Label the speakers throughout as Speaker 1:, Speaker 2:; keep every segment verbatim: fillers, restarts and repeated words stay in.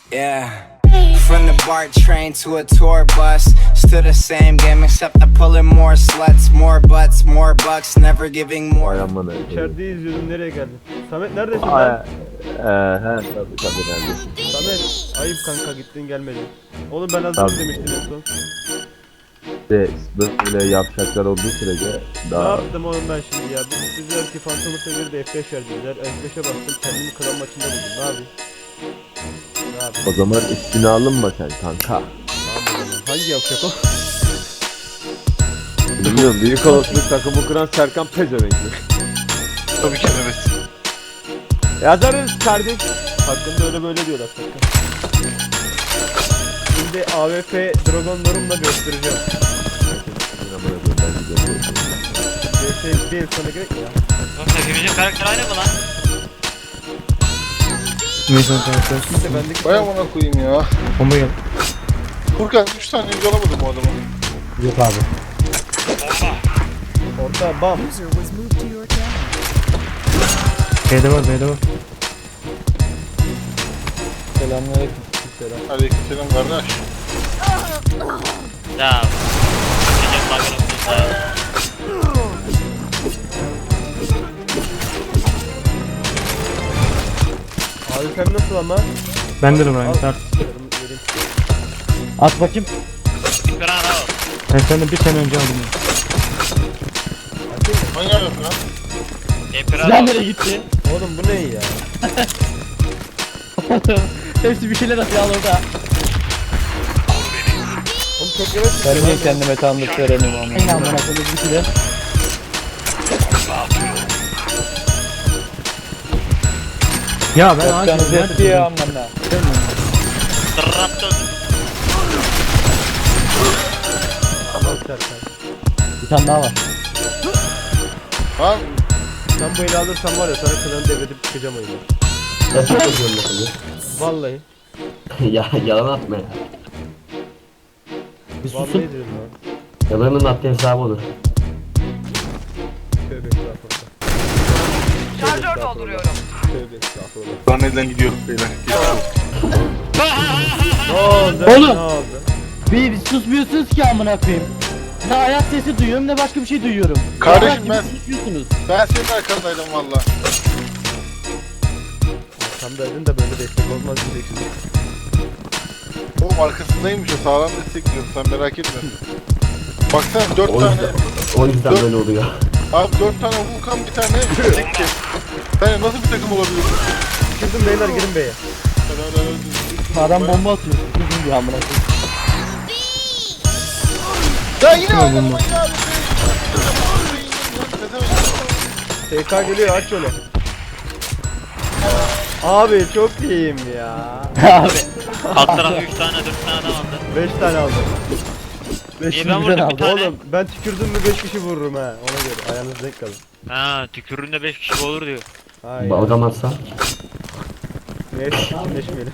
Speaker 1: Yeah. From the BART train to a tour bus, still the same game except I'm pulling more sluts, more butts, more bucks, never giving more.
Speaker 2: Ay aman ay.
Speaker 3: İçeride izliyordum, nereye geldin? Samet neredesin
Speaker 2: Ay,
Speaker 3: lan?
Speaker 2: eee he tabii tabii neredesin?
Speaker 3: Samet ayıp kanka, gittin gelmedin. Oğlum ben hazırım
Speaker 2: Tabii.
Speaker 3: demiştim en son.
Speaker 2: İşte böyle yapacaklar olduğu sürece
Speaker 3: Ne
Speaker 2: daha
Speaker 3: yaptım oğlum ben şimdi ya? Biz dediler ki Phantom'u seviyor da F beş verdiler. F beşe bastım, kendimi klan maçında buldum. Ne yapayım? Ne yapayım?
Speaker 2: o zaman üstüne alınma sen kanka.
Speaker 3: Tamam o zaman. Hangi yapacak o?
Speaker 2: Bilmiyorum büyük olasılık takımı kuran Serkan Pezevenk'i.
Speaker 4: Tabii ki evet.
Speaker 3: Yazarız kardeş. Hakkında öyle böyle diyorlar Serkan. Şimdi A W P Dragonlarımla göstereceğim. C S bir sana gerek mi ya?
Speaker 5: Oğlum hepimizin karakter aynı mı lan?
Speaker 6: Neyse karakter.
Speaker 3: İşte bendeki
Speaker 4: Vay amına koyayım ya.
Speaker 6: Bomba gel.
Speaker 4: Furkan üç tane önce alamadım bu adamı.
Speaker 6: Yok abi.
Speaker 3: orta bam.
Speaker 6: B'de var B'de var.
Speaker 3: Selamünaleyküm. Selam.
Speaker 4: Aleykümselam kardeş.
Speaker 5: Ya. Gideceğim bakırım ya.
Speaker 3: Abi sen nasıl ama?
Speaker 6: Ben de Ryan. Tart.
Speaker 3: Yarım yerim.
Speaker 6: At bakayım.
Speaker 5: Bir an al.
Speaker 6: Ben senden bir sene önce aldım.
Speaker 4: Hangi alıyorsun lan?
Speaker 5: Emperor
Speaker 6: Silah
Speaker 5: al.
Speaker 6: nereye gitti?
Speaker 3: Oğlum bu ne ya?
Speaker 6: Hepsi bir şeyler atıyor al orada.
Speaker 3: Oğlum çok yavaş.
Speaker 6: Ben niye kendime tanıdık veremiyorum ama. Ne amına koyayım bir şeyler. Ya ben ağaç nerede ya amına.
Speaker 5: Tırrattın.
Speaker 3: Tamam Serkan.
Speaker 6: Bir tane daha var.
Speaker 4: Lan
Speaker 3: Sen bu eli alırsan var ya, sana klanı devredip çıkacağım oyunu.
Speaker 7: Ya çok özür dilerim.
Speaker 3: Vallahi.
Speaker 7: Ya yalan atma ya.
Speaker 6: Bir
Speaker 3: Vallahi
Speaker 6: susun.
Speaker 3: dedim lan.
Speaker 7: Yalanın attığı hesabı olur.
Speaker 3: Tövbe estağfurullah.
Speaker 8: Şarjör dolduruyorum.
Speaker 3: Tövbe estağfurullah.
Speaker 4: lan neden gidiyor beyler?
Speaker 3: Ne oldu?
Speaker 6: Oğlum!
Speaker 3: Ne oldu?
Speaker 6: Bir susmuyorsunuz ki amına koyayım. Ne ayak sesi duyuyorum ne başka bir şey duyuyorum.
Speaker 4: Kardeşim
Speaker 6: Salak gibi
Speaker 4: ben-
Speaker 6: susuyorsunuz.
Speaker 4: Ben senin arkandaydım valla.
Speaker 3: Arkamdaydın da böyle destek olmaz diyeceksin.
Speaker 4: Oğlum arkasındaymış o, sağlam destek diyorsun, sen merak etme. Baksana dört
Speaker 7: O
Speaker 4: tane,
Speaker 7: yüzden, o yüzden
Speaker 4: Dört-
Speaker 7: böyle oluyor.
Speaker 4: abi dört tane Vulkan bir tane tekti. Sen nasıl bir takım olabilirsin?
Speaker 3: Girdim beyler, girin beye.
Speaker 6: Adam bomba atıyor. Susun diyor amına koyayım.
Speaker 4: Ya yine oynadım
Speaker 6: bomba.
Speaker 4: ya.
Speaker 3: T K geliyor, aç şöyle. Abi çok iyiyim ya.
Speaker 6: Abi.
Speaker 5: Alt tarafı üç tane dört tane adam aldı.
Speaker 3: beş tane aldım.
Speaker 5: İyi ben vurdum bir tane.
Speaker 3: Oğlum ben tükürdüm mü beş kişi vururum ha. Ona göre ayağınız denk kalın.
Speaker 5: Ha tüküründe beş kişi olur diyor.
Speaker 3: Hayır.
Speaker 7: Balgam atsa.
Speaker 3: Neyse çirkinleşmeyelim.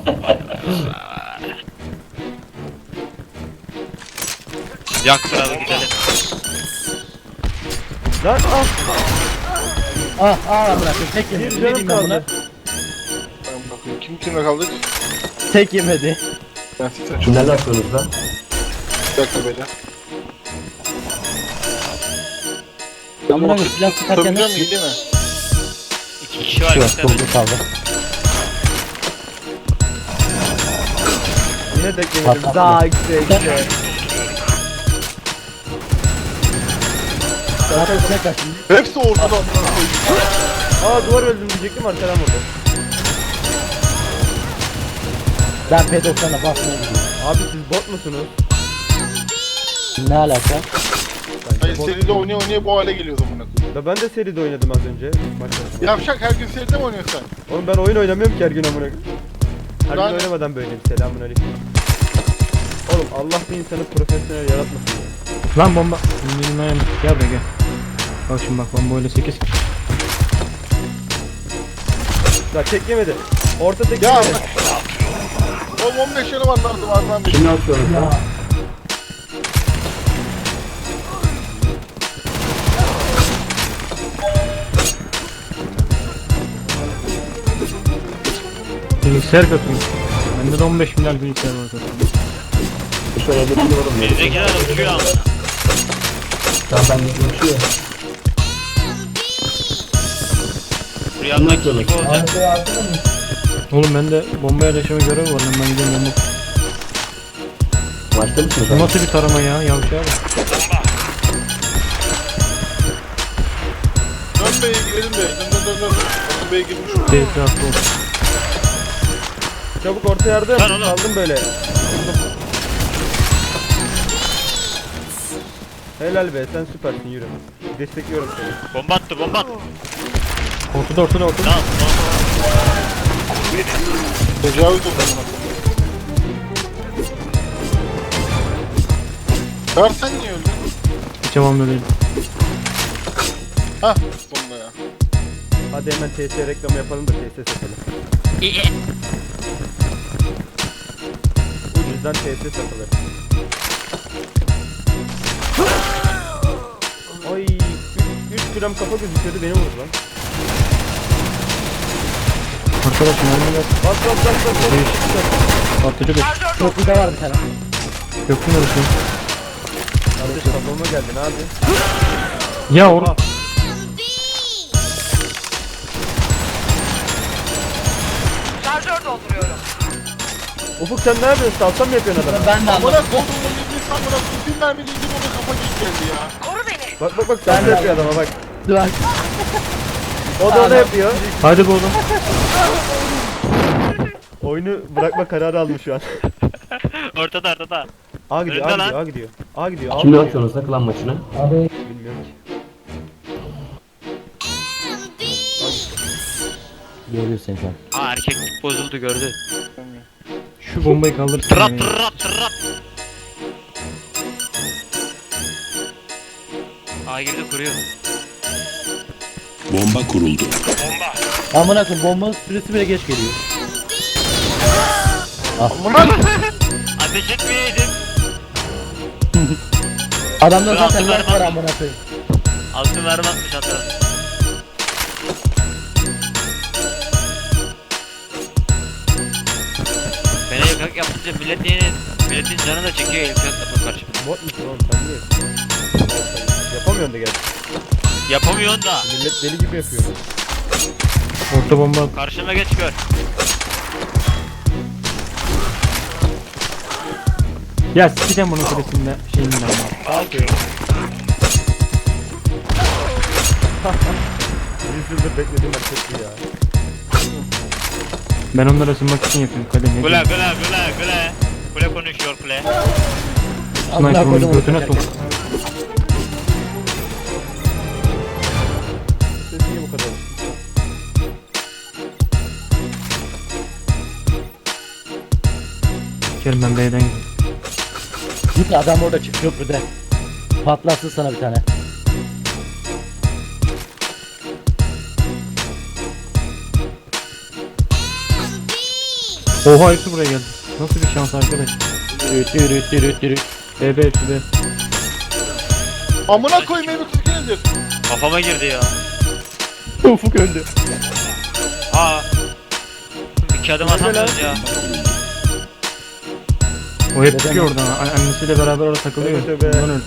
Speaker 5: Yaktıralım gidelim.
Speaker 3: Lan al.
Speaker 6: Ah ah amına koyayım. Tek
Speaker 3: Bir
Speaker 6: yemedi. Ne
Speaker 3: canım
Speaker 6: diyeyim ben buna?
Speaker 3: kaldı.
Speaker 4: Kim kimle kaldık?
Speaker 6: Tek yemedi.
Speaker 4: Ben size çok
Speaker 7: Kimlerle atıyorsunuz lan?
Speaker 4: bir dakika beyler.
Speaker 6: Amına koyayım silah sıkarken
Speaker 4: Tutabilecek
Speaker 6: nasıl?
Speaker 4: miyim değil mi?
Speaker 5: İki kişi var.
Speaker 6: Yok
Speaker 5: iki tane.
Speaker 6: doldu kaldı.
Speaker 3: Yine tek yemedim.
Speaker 6: Patlattı.
Speaker 3: Daha işte işte.
Speaker 6: Zaten üstüne kaçtım.
Speaker 4: Hepsi ortada amına koyayım.
Speaker 3: Aa duvar öldüm diyecektim, arkadan vurdu.
Speaker 6: Ben P doksan'a basmaya gidiyorum.
Speaker 3: Abi siz bot musunuz?
Speaker 6: Ne alaka?
Speaker 4: Hayır seride oynaya oynaya bu hale geliyoruz amına koyayım.
Speaker 3: Da ben de seride oynadım az önce. Maçta.
Speaker 4: Yavşak her gün seride mi oynuyorsun sen?
Speaker 3: Oğlum ben oyun oynamıyorum ki her gün amına koyayım. Her gün
Speaker 4: Ben-
Speaker 3: oynamadan böyleyim. Selamünaleyküm. Oğlum Allah bir insanı profesyonel yaratmasın ya.
Speaker 6: Lan bomba. Benim ayağım. Gel be gel. Bak şimdi bak bomba öyle sekiz kişi.
Speaker 3: Ya tek yemedi. Orta tek
Speaker 4: Ya
Speaker 3: yemedi.
Speaker 4: oğlum on beş yanı var lan duvardan bir.
Speaker 7: Kimle atıyorsunuz lan?
Speaker 6: Bilgisayar katılmış.
Speaker 3: Bende de on beş milyar bilgisayar var zaten.
Speaker 7: Şöyle bir biliyorum ya.
Speaker 5: Bizdekiler uçuyor ama.
Speaker 7: Tamam ben de uçuyor.
Speaker 5: Rüyamdaki gibi olacak.
Speaker 3: Oğlum bende bomba yerleşme görevi var lan, ben gidiyorum bomba.
Speaker 7: Maçta mısın
Speaker 3: Bu
Speaker 7: sen?
Speaker 3: nasıl bir tarama ya, yavşağa bak.
Speaker 4: Dön B'ye girelim de. Dön dön dön dön. Batu B'ye girmiş.
Speaker 3: Tehlikeli attı olsun.
Speaker 2: Çabuk orta yardım.
Speaker 5: Lan oğlum.
Speaker 2: Kaldım böyle. Helal be, sen süpersin, yürü. Destekliyorum seni.
Speaker 5: Bomba attı bomba attı.
Speaker 3: Ortada ortada ortada.
Speaker 5: Tamam tamam.
Speaker 4: Tecavüz oldu bana. Kar sen niye öldün?
Speaker 3: Hiç hamamda değil.
Speaker 4: Hah sonunda ya.
Speaker 2: Hadi hemen T S reklamı yapalım da T S satalım. Ucuzdan T S satılır. Ay, üç gram kafa gözüküyordu, beni vurdu lan.
Speaker 3: Arkadaşım önümde
Speaker 2: Bas bas bas bas bas.
Speaker 3: değişik patlıcı bir
Speaker 8: Şarjör
Speaker 6: Köprüde var bir tane.
Speaker 3: köprü neresi?
Speaker 2: Kardeş kafama geldin abi.
Speaker 3: Ya or
Speaker 8: Şarjör dolduruyorum.
Speaker 2: Ufuk sen ne yapıyorsun? Salsa mı yapıyorsun adamı?
Speaker 6: Ben de
Speaker 4: Amına
Speaker 6: anladım.
Speaker 4: kodumun elini sen bırak. Bir mermi değildir ona kafa geç geldi ya.
Speaker 8: Koru beni.
Speaker 2: Bak bak bak salsa yapıyor adama bak.
Speaker 6: Dur.
Speaker 2: O da onu yapıyor.
Speaker 3: hadi be oğlum.
Speaker 2: Oyunu bırakma kararı almış şu an.
Speaker 5: Ortada ortada.
Speaker 2: A gidiyor,
Speaker 5: Önde
Speaker 2: A gidiyor,
Speaker 5: lan.
Speaker 2: A gidiyor. A gidiyor, A
Speaker 7: Kimle
Speaker 2: gidiyor.
Speaker 7: bakıyorsunuz da klan maçına?
Speaker 2: Bilmiyorum ki.
Speaker 6: Görüyor seni şu an.
Speaker 5: Aa erkeklik bozuldu gördü.
Speaker 3: Şu bombayı kaldırsana
Speaker 5: Tırap
Speaker 3: ya.
Speaker 5: tırap tırap. Aa girdi kuruyor.
Speaker 9: Bomba kuruldu.
Speaker 6: Amına koyayım, bombanın süresi bile geç geliyor.
Speaker 5: Ateş etmeyeydim.
Speaker 6: Adamda
Speaker 5: Dur,
Speaker 6: zaten
Speaker 5: altı
Speaker 6: lag var
Speaker 5: vermem.
Speaker 6: amına koyayım.
Speaker 5: Altın mermi atmış hatta. Bana yakak yapınca millet yeni, milletin canı da çekiyor yakak yapıp karşıma.
Speaker 2: Bot musun oğlum sen niye? Yapamıyorsun da gerçi.
Speaker 5: Yapamıyorsun da.
Speaker 2: Millet deli gibi yapıyor.
Speaker 3: Orta bomba at.
Speaker 5: Karşıma geç gör.
Speaker 3: Ya sikeceğim bunun kulesinde şeyinden ya.
Speaker 2: Kalkıyor. Yüz yıldır beklediğim hareketli ya.
Speaker 3: Ben onları ısınmak için yapıyorum kale ne
Speaker 5: Kule
Speaker 3: diyeyim.
Speaker 5: kule kule kule. Kule konuşuyor kule.
Speaker 6: Amına
Speaker 3: Sniper'ın
Speaker 6: koydum
Speaker 3: götüne
Speaker 6: onu.
Speaker 3: sok.
Speaker 2: Ses niye bu kadar?
Speaker 3: Sikerim ben B'den gidiyorum.
Speaker 6: Git adam orada çık köprüde. Patlatsın sana bir tane.
Speaker 3: Oha hepsi buraya geldi. Nasıl bir şans arkadaş.
Speaker 6: Yürüt yürüt yürüt yürüt.
Speaker 3: B B hepsi B.
Speaker 4: Amına koyayım evi Türkiye nedir?
Speaker 5: Kafama girdi ya.
Speaker 2: Ufuk öldü.
Speaker 5: Aa. İki adım atamıyoruz ya.
Speaker 3: O hep
Speaker 6: Neden
Speaker 3: çıkıyor oradan. A- Annesiyle beraber orada takılıyor.
Speaker 2: Tövbe tövbe.
Speaker 3: Bundan öldü.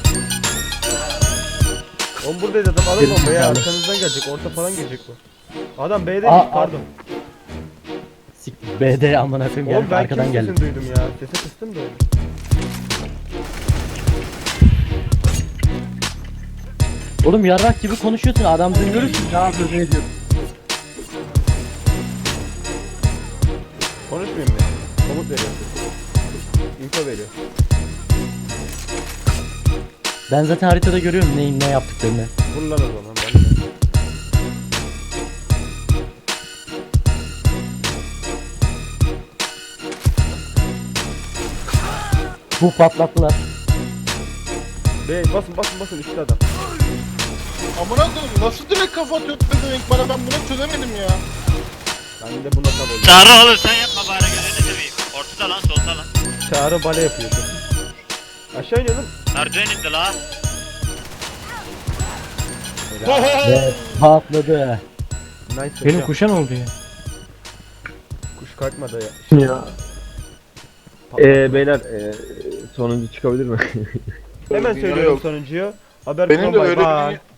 Speaker 2: Oğlum buradayız adam, alın
Speaker 6: Geri
Speaker 2: bombayı,
Speaker 6: zekalı.
Speaker 2: arkanızdan gelecek, orta falan gelecek bu. Adam B'de
Speaker 6: Aa,
Speaker 2: pardon.
Speaker 6: Sik B'de amına koyayım
Speaker 2: Oğlum
Speaker 6: geldi
Speaker 2: ben
Speaker 6: arkadan
Speaker 2: kim
Speaker 6: geldi.
Speaker 2: sesini duydum ya, sesi kıstım da öyle.
Speaker 6: Oğlum yarrak gibi konuşuyorsun, adam duyuyoruz ki ne yapıyorsun ne diyorsun.
Speaker 2: Konuşmayayım mı? Komut veriyor. Info veriyor.
Speaker 6: Ben zaten haritada görüyorum neyin ne yaptıklarını.
Speaker 2: Vur lan o zaman ben de.
Speaker 6: Bu patlattılar.
Speaker 2: Bey basın basın basın üstte adam.
Speaker 4: Amına koyayım nasıl direkt kafa atıyor demek bana, ben bunu çözemedim ya.
Speaker 2: Ben de buna tab oldum.
Speaker 5: Çağrı oğlum sen yapma bari gözünü seveyim. Ortada lan solda lan.
Speaker 2: Çağrı bale yapıyor şu an. Aşağı iniyorum.
Speaker 5: Merdiven indi la.
Speaker 6: Ve patladı.
Speaker 2: Nice
Speaker 3: Benim
Speaker 2: hocam.
Speaker 3: kuşan oldu ya.
Speaker 2: Kuş kalkmadı ya. Ya. Eee beyler eee sonuncu çıkabilir mi?
Speaker 3: Hemen
Speaker 4: Dünya
Speaker 3: söylüyorum
Speaker 4: yok.
Speaker 3: sonuncuyu. Haber
Speaker 4: Benim de
Speaker 3: Bay
Speaker 4: öyle
Speaker 3: bay.
Speaker 4: bir